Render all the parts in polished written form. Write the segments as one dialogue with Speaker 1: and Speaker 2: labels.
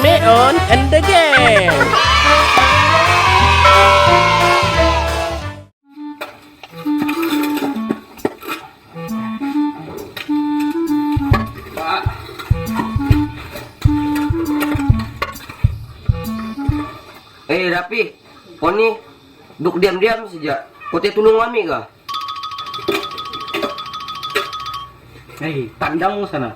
Speaker 1: Meon and the Gang.
Speaker 2: Rapi, kau ni duk diam-diam saja. Kau tak tolong kami kah?
Speaker 3: Tandang sana.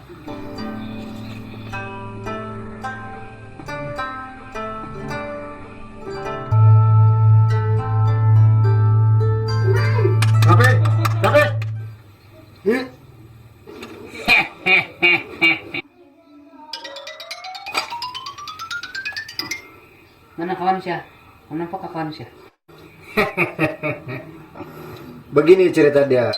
Speaker 3: Rapi, Rapi.
Speaker 4: Mana kawan siya? Kenapa kawan siya?
Speaker 3: Begini cerita dia.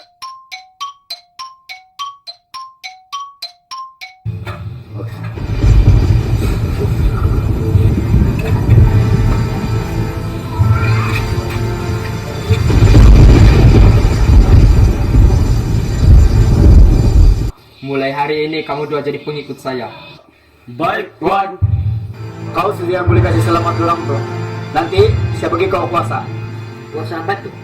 Speaker 5: Mulai hari ini kamu dua jadi pengikut saya.
Speaker 3: Baik, Tuan. Kau sudah boleh kasih selamat ulang tuh. Nanti saya bagi kau kuasa.
Speaker 4: Kuasa apa tuh?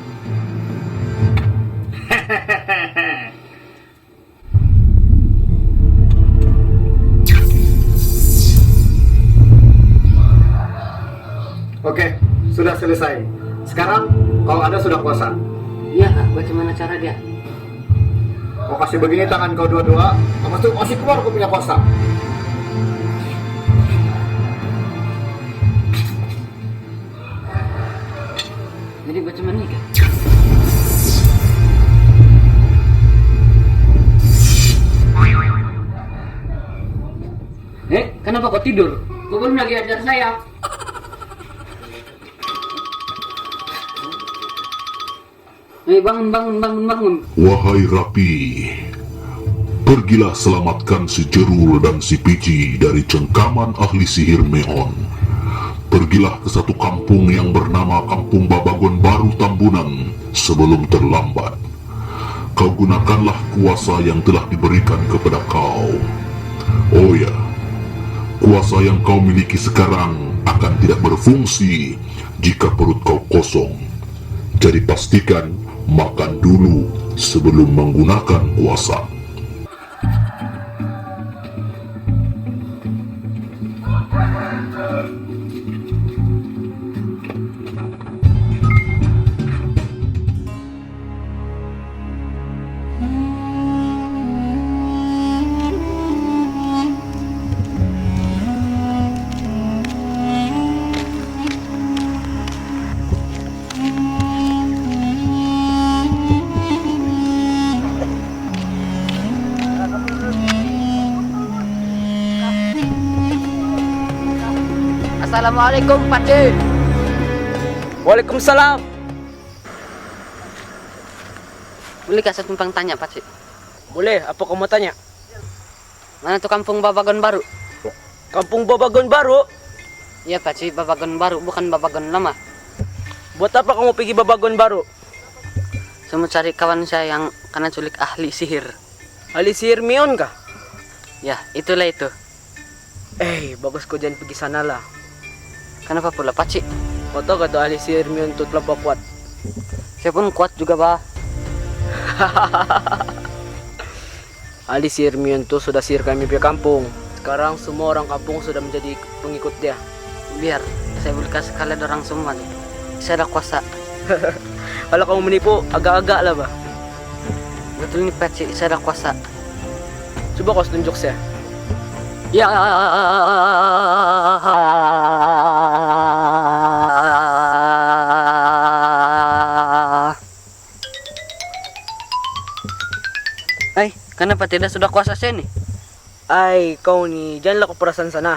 Speaker 3: Oke, sudah selesai. Sekarang kau ada sudah kuasa.
Speaker 4: Iya, bagaimana cara dia?
Speaker 3: Kau kasih begini tangan kau dua-dua, lepas itu kasih keluar kau punya kuasa.
Speaker 4: Jadi bagaimana nih? Kenapa kau tidur? Kau belum lagi ajar saya. Bangun.
Speaker 6: Wahai Rapi, pergilah selamatkan si Jerul dan si Pici dari cengkaman ahli sihir Meon. Pergilah ke satu kampung yang bernama Kampung Babagon Baru Tambunan sebelum terlambat. Kau gunakanlah kuasa yang telah diberikan kepada kau. Oh ya, kuasa yang kau miliki sekarang akan tidak berfungsi jika perut kau kosong. Jadi pastikan makan dulu sebelum menggunakan kuasa.
Speaker 4: Assalamualaikum, Pakcik.
Speaker 2: Waalaikumsalam.
Speaker 4: Bolehkah saya tumpang tanya, Pakcik?
Speaker 2: Boleh, apa kau mau tanya?
Speaker 4: Mana tuh Kampung Babagon Baru?
Speaker 2: Kampung Babagon Baru?
Speaker 4: Iya, Pakcik, Babagon Baru, bukan Babagon lama.
Speaker 2: Buat apa kamu pergi Babagon Baru?
Speaker 4: Saya mau cari kawan saya yang kena culik ahli sihir.
Speaker 2: Ahli sihir Meon kah?
Speaker 4: Ya, itulah itu.
Speaker 2: Bagus kau jangan pergi sana lah.
Speaker 4: Kenapa pula, Pakcik?
Speaker 2: Kau tahu kata ahli sihir Meon itu terlampau kuat.
Speaker 4: Saya pun kuat juga, Bah.
Speaker 2: Ahli sihir Meon itu sudah sihir kami punya kampung. Sekarang semua orang kampung sudah menjadi pengikut dia.
Speaker 4: Biar saya boleh kasih kalian orang semua nih. Saya ada kuasa.
Speaker 2: Kalau kamu menipu, agak-agak lah, Bah.
Speaker 4: Betul nih, Pakcik, saya ada kuasa.
Speaker 2: Coba kau tunjuk saya.
Speaker 4: Ya. Kenapa tidak sudah kuasa saya nih?
Speaker 2: Kau nih, janganlah kau perasan sana.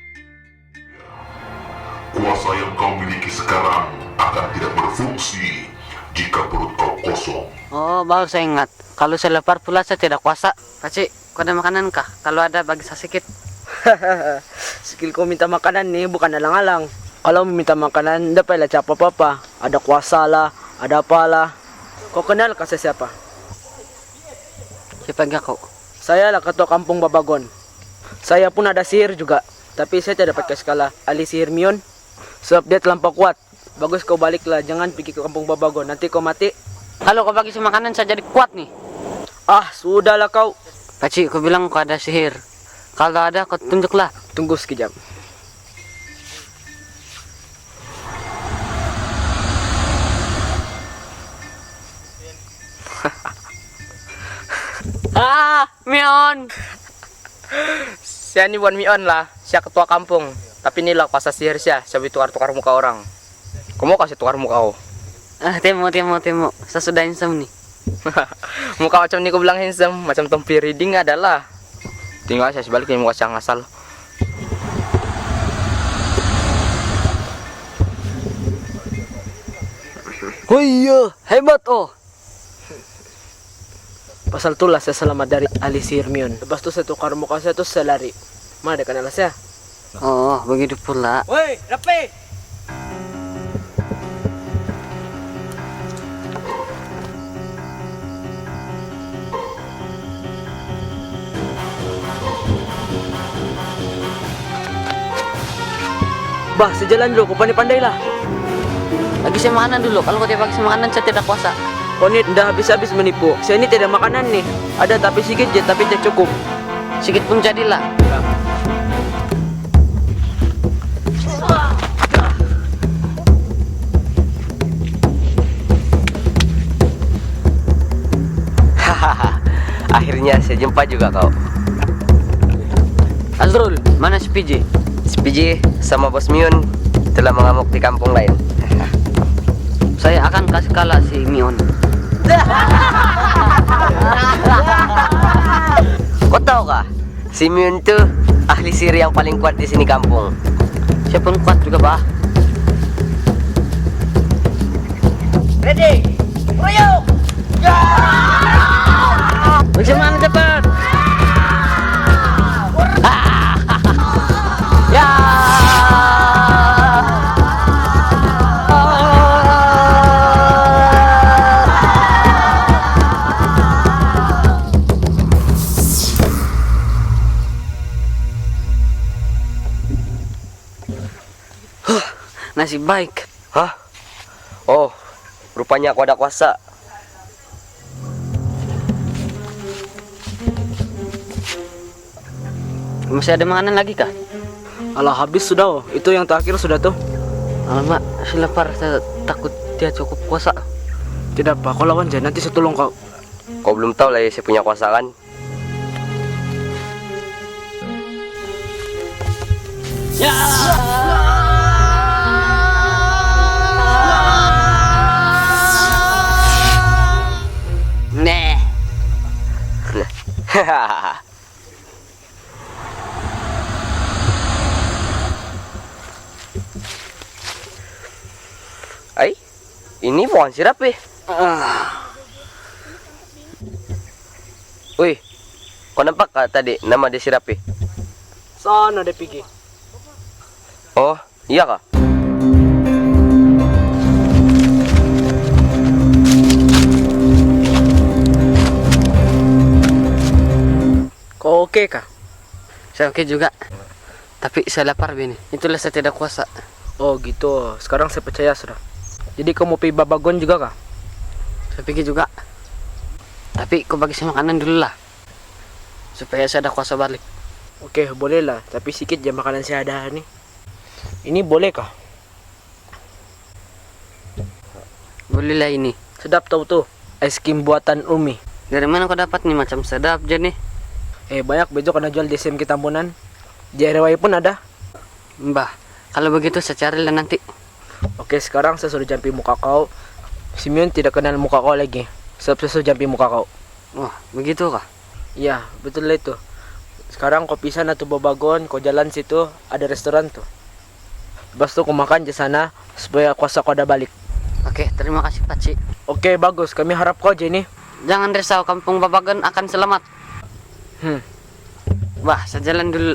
Speaker 6: Kuasa yang kau miliki sekarang akan tidak berfungsi jika perut kau kosong.
Speaker 4: Oh, baru saya ingat. Kalau saya lapar pula saya tidak kuasa. Pakcik, kau ada makanan kah? Kalau ada bagi saya sedikit.
Speaker 2: Skill kau minta makanan nih bukan alang-alang. Kalau meminta makanan, tidak payah capa apa-apa. Ada kuasa lah, ada apalah. Kau kenal kah saya siapa?
Speaker 4: Siapa enggak kau?
Speaker 2: Saya lah ketua kampung Babagon. Saya pun ada sihir juga. Tapi saya tidak pakai skala ahli sihir Mion. Sebab dia terlampau kuat. Bagus kau baliklah, jangan pergi ke kampung Babagon. Nanti kau mati.
Speaker 4: Kalau kau bagi makanan saya jadi kuat nih.
Speaker 2: Ah, sudahlah kau.
Speaker 4: Pakcik, kau bilang kau ada sihir. Kalau ada, kau tunjuklah.
Speaker 2: Tunggu sekejap.
Speaker 4: Mion.
Speaker 5: Saya ni bukan Mion lah, saya ketua kampung. Tapi inilah kuasa sihir saya tukar-tukar muka orang. Kamu kasih tukar muka kau.
Speaker 4: Temo. Saya sudah handsome nih.
Speaker 5: Muka macam ni kau bilang handsome, macam Tompi Reading adalah. Tinggal saya sebaliknya muka saya ngasal.
Speaker 2: Oh iya, hebat oh. Pasal itulah saya selamat dari ahli sihir Mion. Lepas itu saya tukar muka saya terus saya lari. Mana ada kenal saya?
Speaker 4: Oh, begitu pula.
Speaker 2: Woi, Rapi! Bah, sejalan dulu, kau pandai-pandai lah.
Speaker 4: Bagi saya makanan dulu. Kalau kau tidak bagi saya makanan, saya tidak kuasa.
Speaker 2: Kau ini dah habis-habis menipu. Saya ini tidak makanan nih. Ada tapi sedikit je, tapi tidak cukup.
Speaker 4: Sedikit pun jadilah.
Speaker 7: Akhirnya saya jumpa juga kau.
Speaker 4: Azrul, mana si PJ?
Speaker 7: Si PJ sama Bos Mion telah mengamuk di kampung lain.
Speaker 4: Saya akan kasih kalah si Mion.
Speaker 7: Kau tahu kah? Si Mion tuh ahli sihir yang paling kuat di sini kampung.
Speaker 4: Saya pun kuat juga, Bah.
Speaker 2: Ready? Royok!
Speaker 4: Bagaimana cepat? Ya. Nasib baik.
Speaker 7: Hah? Oh, rupanya aku ada kuasa.
Speaker 4: Masih ada makanan lagi kah?
Speaker 2: Alah, habis sudah oh. Itu yang terakhir sudah tuh.
Speaker 4: Alamak, saya lapar. Saya takut dia cukup kuasa.
Speaker 2: Tidak apa, kau lawan aja, nanti saya tolong kau.
Speaker 7: Kau belum tahu lah ya saya punya kuasa kan?
Speaker 4: Nih.
Speaker 7: Ay, ini bukan sirap eh. Wih, kau nampak kah tadi nama dia sirap eh?
Speaker 2: Sana deh pergi.
Speaker 7: Oh, iya kah?
Speaker 2: Kau oke kah?
Speaker 4: Saya oke juga. Tapi saya lapar bini. Itulah saya tidak kuasa.
Speaker 2: Oh gitu, sekarang saya percaya sudah. Jadi kau mau pergi Babagon juga kah?
Speaker 4: Saya pikir juga. Tapi kau bagi saya makanan dulu lah. Supaya saya ada kuasa balik.
Speaker 2: Oke, boleh lah. Tapi sedikit je makanan saya ada nih. Ini boleh kah?
Speaker 4: Boleh lah ini.
Speaker 2: Sedap tahu tuh. Es krim buatan Umi.
Speaker 4: Dari mana kau dapat nih macam sedap je nih?
Speaker 2: Banyak besok kena jual di SMK Tambunan. Di RW pun ada.
Speaker 4: Mbah, kalau begitu saya carilah nanti.
Speaker 2: Oke, sekarang saya sudah jampi muka kau. Simeon tidak kenal muka kau lagi. Sebab saya sudah jampi muka kau.
Speaker 4: Wah, begitu kah?
Speaker 2: Iya, betul lah itu. Sekarang kau pisah na tuh Babagon, kau jalan situ, ada restoran tuh. Lepas tuh kau makan di sana supaya kuasa kau ada balik.
Speaker 4: Oke, terima kasih Pakcik.
Speaker 2: Oke, bagus. Kami harap kau aja ini.
Speaker 4: Jangan risau, kampung Babagon akan selamat. Wah, saya jalan dulu.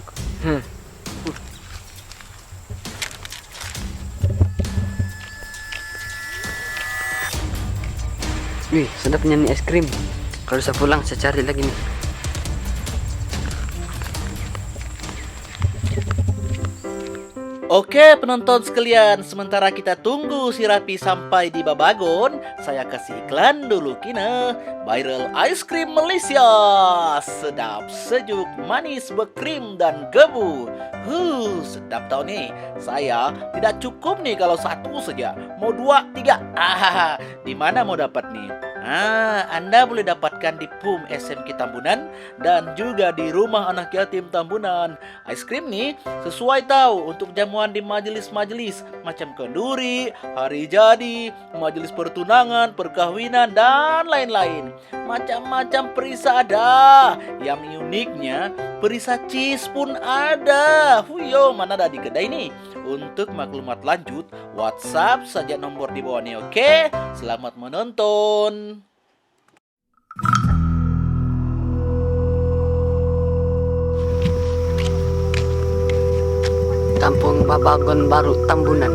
Speaker 4: Wih, sedapnya nih es krim. Kalau saya pulang, saya cari lagi nih.
Speaker 1: Oke penonton sekalian, sementara kita tunggu si Rapi sampai di Babagon, saya kasih iklan dulu kina. Viral Ice Cream Malaysia, sedap, sejuk, manis, berkrim dan gebu. Sedap tau nih. Saya tidak cukup nih kalau satu saja, mau 2, 3. Di mana mau dapat nih? Anda boleh dapatkan di PUM SMK Tambunan dan juga di Rumah Anak Yatim Tambunan. Ice cream nih sesuai tahu untuk jamuan di majelis-majelis macam kenduri, hari jadi, majelis pertunangan, perkawinan dan lain-lain. Macam-macam perisa ada. Yang uniknya perisa cheese pun ada. Huyo, mana ada di kedai nih? Untuk maklumat lanjut, WhatsApp saja nomor di bawah nih, oke? Selamat menonton.
Speaker 4: Kampung Babagon Baru Tambunan.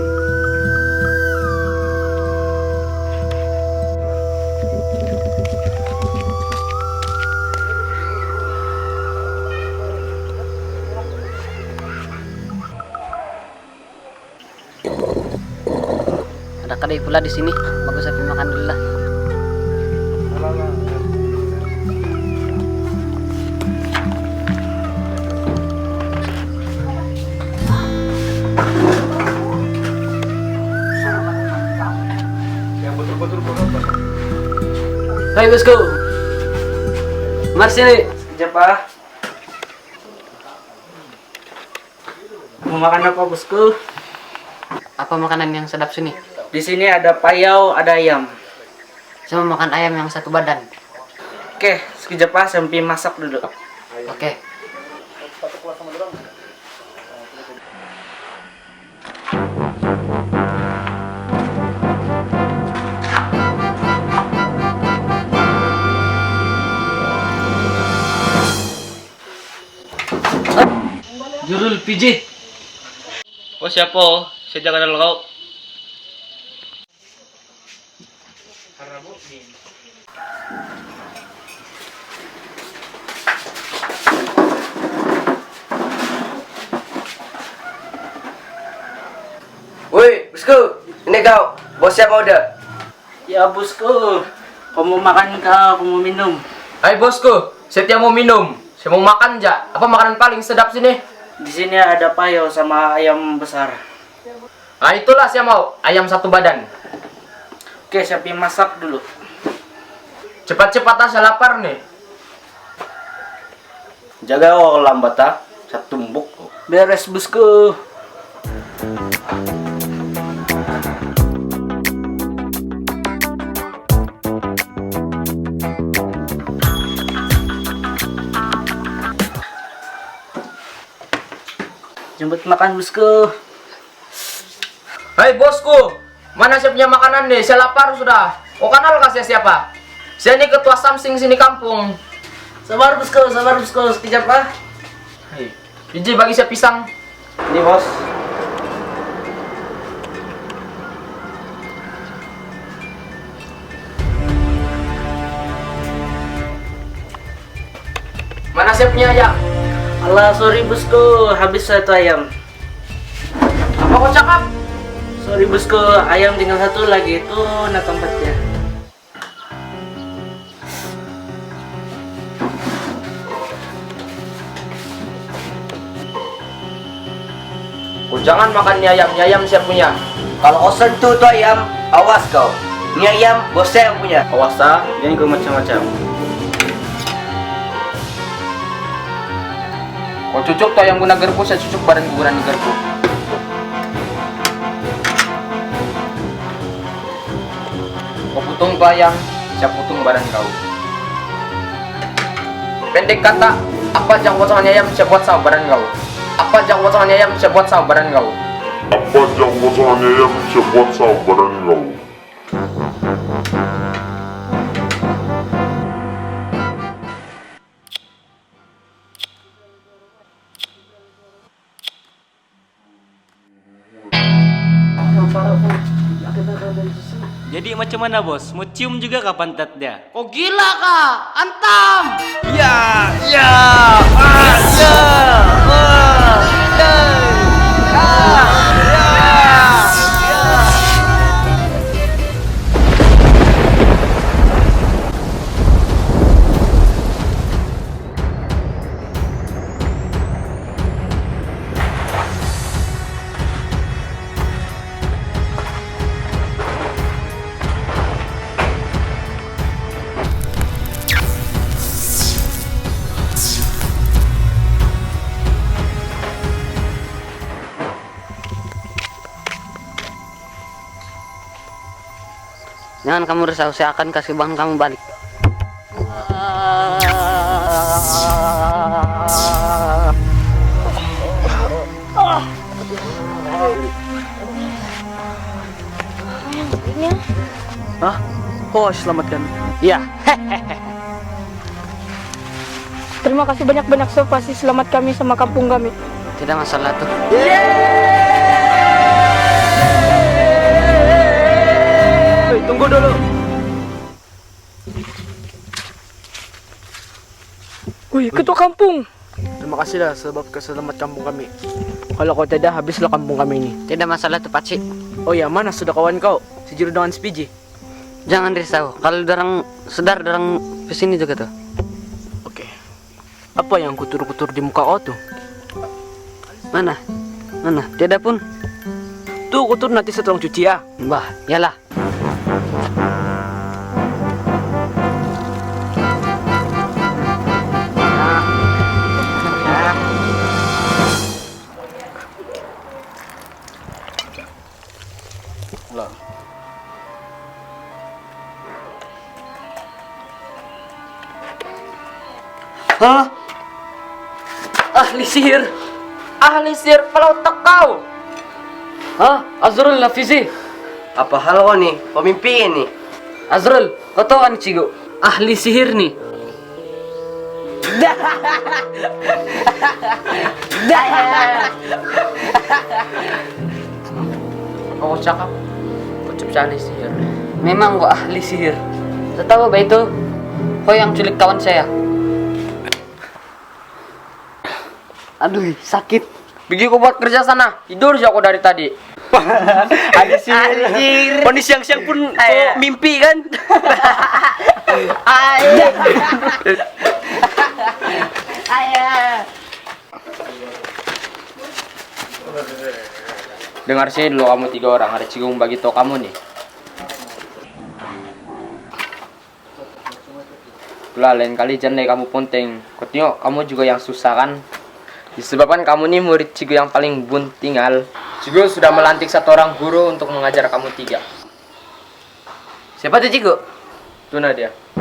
Speaker 4: Ada kedai pula di sini. Bagus saya makan dulu lah. Hai bosku. Mari sini.
Speaker 2: Sekejap Pak. Mau makan apa bosku?
Speaker 4: Apa makanan yang sedap sini?
Speaker 2: Di sini ada payau, ada ayam.
Speaker 4: Saya mau makan ayam yang satu badan.
Speaker 2: Oke, sekejap Pak, sampai masak dulu.
Speaker 4: Oke. Jurul pijit.
Speaker 5: Oh siapa? Saya jangan kenal kau.
Speaker 7: Woi, bosku, ini kau. Bos siapa udah?
Speaker 2: Ya bosku, kau mau makan kau mau minum?
Speaker 5: Hai bosku, saya mau minum. Saya mau makan ja. Apa makanan paling sedap sini?
Speaker 2: Di sini ada payau sama ayam besar.
Speaker 5: Nah itulah saya mau, ayam satu badan.
Speaker 2: Oke, saya pergi masak dulu.
Speaker 5: Cepat-cepat saya lapar nih.
Speaker 2: Jaga kalau lambat ah, saya tumbuk. Beres bosku. Jemput makan bosku.
Speaker 5: Hai bosku, mana saya punya makanan nih? Saya lapar sudah. Oh kenal kasih siapa? Saya ini ketua Samsing sini kampung.
Speaker 2: Sabar bosku, sekejap ah.
Speaker 5: Hei, Iji bagi saya pisang.
Speaker 2: Ini bos.
Speaker 5: Mana saya punya ayam?
Speaker 2: Alah, sorry bosku, habis satu ayam.
Speaker 5: Apa kau cakap?
Speaker 2: Sorry bosku, ayam tinggal satu lagi itu nah tempatnya.
Speaker 5: Oh jangan makan mie ayam saya punya.
Speaker 7: Kalau kau sentuh tuh ayam, awas kau. Ini ayam bos saya yang punya.
Speaker 2: Awas ah, jangan kau macam-macam.
Speaker 5: Kau cucuk tuh ayam guna gerbu, saya cucuk badan guguran di gerbu. Kau putung tuh ayam, saya putung badan kau. Pendek kata, apa yang potongan ayam saya buat sama badan kau. Apa yang potongan ayam saya buat sama badan kau.
Speaker 6: Apa yang potongannya yang bisa buat sama badan kau?
Speaker 1: Jadi macam mana bos? Mau cium juga kapan pantatnya?
Speaker 4: Oh gila kah? Antam!
Speaker 1: Ya, ya, ya,
Speaker 4: Jangan kamu risau, saya akan kasih uang kamu balik.
Speaker 2: Hah? Oh, selamatkan.
Speaker 4: Iya.
Speaker 8: Terima kasih banyak-banyak so pasti selamat kami sama kampung kami.
Speaker 4: Tidak masalah tuh.
Speaker 2: Hei, tunggu dulu.
Speaker 8: Wih, ketua kampung.
Speaker 2: Terima kasihlah sebab keselamat kampung kami. Kalau kau tidak, habislah kampung kami ini.
Speaker 4: Tidak masalah tuh, Pakcik.
Speaker 2: Oh ya, mana sudah kawan kau? Si Juru dengan si Piji.
Speaker 4: Jangan risau. Kalau dorang sedar dorang kesini juga tuh.
Speaker 2: Oke. Apa yang kutur-kutur di muka kau tuh?
Speaker 4: Mana? Mana? Tidak pun.
Speaker 2: Tuh kutur nanti setelah cuci ya.
Speaker 4: Bah, yalah.
Speaker 5: Hah? Ahli sihir? Ahli sihir pelotak kau?
Speaker 4: Hah? Azrul Lafizi.
Speaker 7: Apa hal kau nih? Pemimpi ini.
Speaker 4: Azrul, kau tahu kan Cigo? Ahli sihir nih.
Speaker 5: Kau cakap? Kau cuma ahli sihir.
Speaker 4: Memang gua ahli sihir. Tahu apa itu? Kau yang culik kawan saya. Aduh, sakit.
Speaker 5: Pergi kau buat kerja sana. Tidur sih aku dari tadi.
Speaker 7: Ahli sihir.
Speaker 5: Kondisi siang-siang pun kau mimpi kan? Dengar sih dulu kamu 3 orang. Ada Cigong bagi tau kamu nih. Lah lain kali jangan kamu ponteng. Kau tengok kamu juga yang susah kan? Disebabkan kamu nih murid Cigo yang paling buntingal. Cigo sudah melantik 1 orang guru untuk mengajar kamu 3.
Speaker 7: Siapa tuh Cigo?
Speaker 5: Tuna dia.